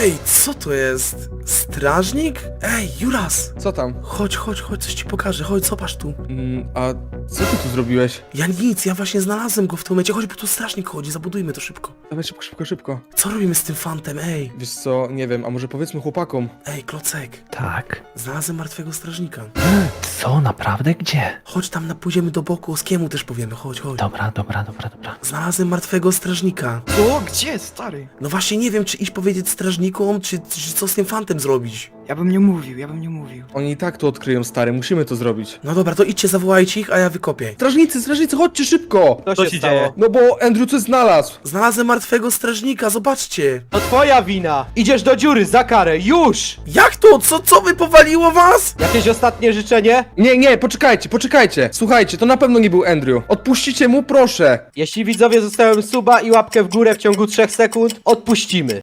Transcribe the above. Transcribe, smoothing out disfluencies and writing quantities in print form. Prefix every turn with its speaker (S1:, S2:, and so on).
S1: Ej, co to jest? Strażnik? Ej, Juras!
S2: Co tam?
S1: Chodź, coś ci pokażę, chodź, zobacz tu.
S2: A co ty tu zrobiłeś?
S1: Ja nic, ja właśnie znalazłem go w tym momencie, chodź, bo tu strażnik chodzi, zabudujmy to szybko.
S2: Dawaj szybko.
S1: Co robimy z tym fantem, ej?
S2: Wiesz co, nie wiem, a może powiedzmy chłopakom.
S1: Ej, Klocek,
S3: Tak.
S1: znalazłem martwego strażnika.
S3: Co, naprawdę? Gdzie?
S1: Chodź tam, pójdziemy do boku, Oskiemu też powiemy, chodź.
S3: Dobra.
S1: Znalazłem martwego strażnika.
S4: Co? Gdzie, stary?
S1: No właśnie nie wiem, czy iść powiedzieć strażnikom, czy co z tym fantem zrobić.
S4: Ja bym nie mówił.
S2: Oni i tak to odkryją, stary, musimy to zrobić.
S1: No dobra, to idźcie, zawołajcie ich, a ja wykopię.
S2: Strażnicy, chodźcie szybko!
S5: Co się dzieje?
S2: No bo Andrew coś znalazł!
S1: Znalazłem martwego strażnika, zobaczcie.
S5: To twoja wina! Idziesz do dziury, za karę, już!
S1: Jak to? Co wypowaliło was?
S5: Jakieś ostatnie życzenie?
S2: Nie, poczekajcie! Słuchajcie, to na pewno nie był Andrew. Odpuścicie mu, proszę!
S5: Jeśli widzowie zostawią suba i łapkę w górę w ciągu 3 sekund, odpuścimy.